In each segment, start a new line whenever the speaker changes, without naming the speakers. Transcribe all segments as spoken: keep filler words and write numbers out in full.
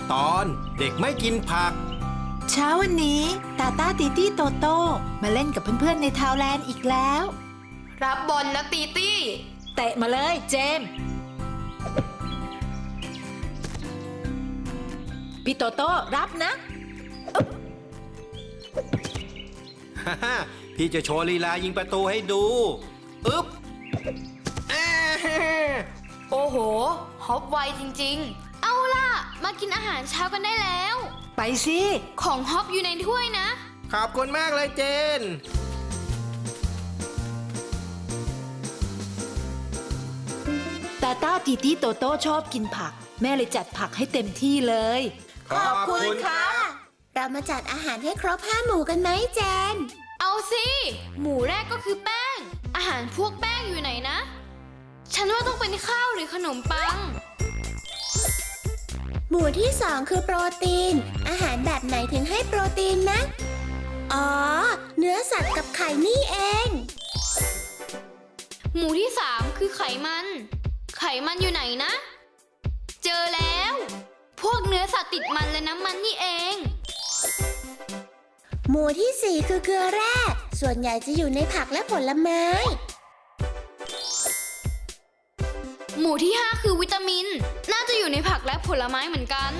ตอนเด็กไม่กินผัก
เช้าวันนี้ตาตาตีตี้โตโต้มาเล่นกับเพื่อนๆในทาวแลนด์อีกแล้ว
รับบอลนะตีตี้
เตะมาเลยเจมส์พี่โตโต้รับนะ
ฮ่าฮ่าพี่จะโชว์ลีลายิงประตูให้ดูอึ๊บ
โอ้โหฮอปไวจริงๆเอาล่ะมากินอาหารเช้ากันได้แล้ว
ไปสิ
ของฮอปอยู่ในถ้วยนะ
ขอบคุณมากเลยเจน
ตาตาตีตี้โตโต้ชอบกินผักแม่เลยจัดผักให้เต็มที่เลย
ขอบคุณค่ะ
เรามาจัดอาหารให้ครบห้าหมู่กันไหมเจน
เอาสิหมู่แรกก็คือแป้งอาหารพวกแป้งอยู่ไหนนะฉันว่าต้องเป็นข้าวหรือขนมปัง
หมู่ที่สองคือโปรตีนอาหารแบบไหนถึงให้โปรตีนนะอ๋อเนื้อสัตว์กับไข่นี่เอง
หมู่ที่สามคือไขมันไขมันอยู่ไหนนะเจอแล้วพวกเนื้อสัตว์ติดมันและน้ำมันนี่เอง
หมู่ที่สี่คือเกลือแร่ส่วนใหญ่จะอยู่ในผักและผลไม้
หมู่ที่ห้าคือวิตามินน่าจะอยู่ในผักและผลไม้เหมือนกัน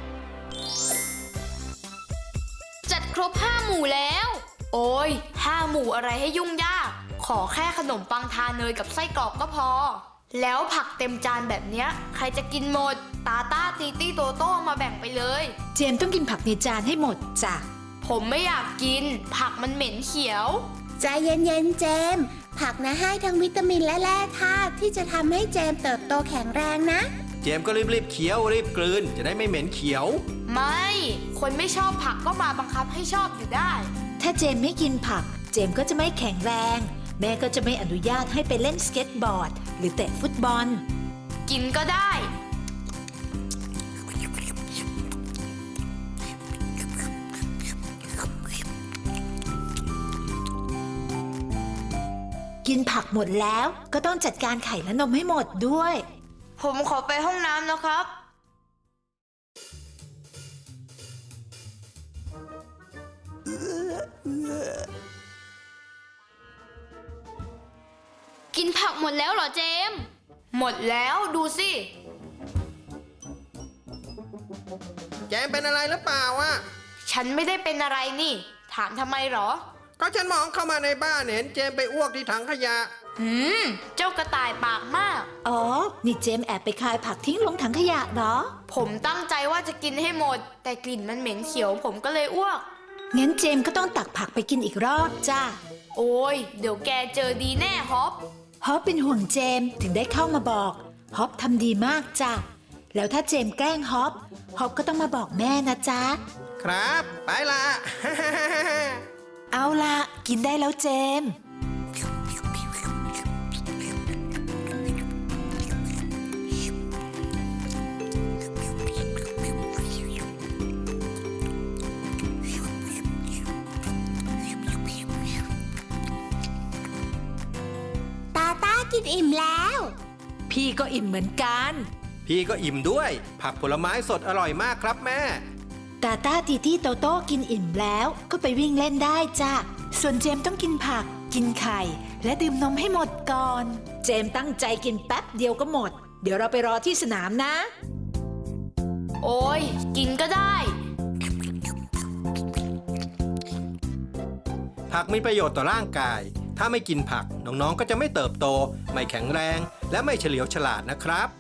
จัดครบห้าหมู่แล้วโอ้ยห้าหมู่อะไรให้ยุ่งยากขอแค่ขนมปังทาเนยกับไส้กรอกก็พอแล้วผักเต็มจานแบบเนี้ยใครจะกินหมดตาต้าตีตี้โตโต้มาแบ่งไปเลย
เจมต้องกินผักในจานให้หมดจ้ะ
ผมไม่อยากกินผักมันเหม็นเขียว
ใจเย็นๆเจมผักนะให้ทั้งวิตามินและแร่ธาตุที่จะทำให้เจมเติบโตแข็งแรงนะ
เจมก็รีบๆเคี้ยวรีบกลืนจะได้ไม่เหม็นเขียว
ไม่คนไม่ชอบผักก็มาบังคับให้ชอบอยู่ได้
ถ้าเจมไม่กินผักเจมก็จะไม่แข็งแรงแม่ก็จะไม่อนุญาตให้ไปเล่นสเก็ตบอร์ดหรือเตะฟุตบอล
กินก็ได้
กินผักหมดแล้วก็ต้องจัดการไข่และนมให้หมดด้วย
ผมขอไปห้องน้ำนะครับกินผักหมดแล้วเหรอเจมหมดแล้วดูสิ
เจมเป็นอะไรหรือเปล่าวะ
ฉันไม่ได้เป็นอะไรนี่ถามทำไมหรอ
ก็ฉันมองเข้ามาในบ้านเห็นเจมไปอ้วกที่ถังขยะ
หืมเจ้ากระต่ายปากมาก
อ๋อนี่เจมแอบไปคายผักทิ้งลงถังขยะเหรอ
ผมตั้งใจว่าจะกินให้หมดแต่กลิ่นมันเหม็นเขียวผมก็เลยอ้วก
งั้นเจมก็ต้องตักผักไปกินอีกรอบจ้า
โอ้ยเดี๋ยวแกเจอดีแน่ฮอป
ฮอปเป็นห่วงเจมถึงได้เข้ามาบอกฮอปทำดีมากจ้ะแล้วถ้าเจมแกล้งฮอปฮอปก็ต้องมาบอกแม่นะจ๊ะ
ครับไปละ
เอาล่ะกินได้แล้วเจม
ตาต้ากินอิ่มแล้ว
พี่ก็อิ่มเหมือนกัน
พี่ก็อิ่มด้วยผักผลไม้สดอร่อยมากครับแม่
ตาตาตีตี้โตโต้กินอิ่มแล้วก็ไปวิ่งเล่นได้จ้ะส่วนเจมต้องกินผักกินไข่และดื่มนมให้หมดก่อนเจมตั้งใจกินแป๊บเดียวก็หมดเดี๋ยวเราไปรอที่สนามนะ
โอ้ยกินก็ได้
ผักมีประโยชน์ต่อร่างกายถ้าไม่กินผักน้องๆก็จะไม่เติบโตไม่แข็งแรงและไม่เฉลียวฉลาดนะครับ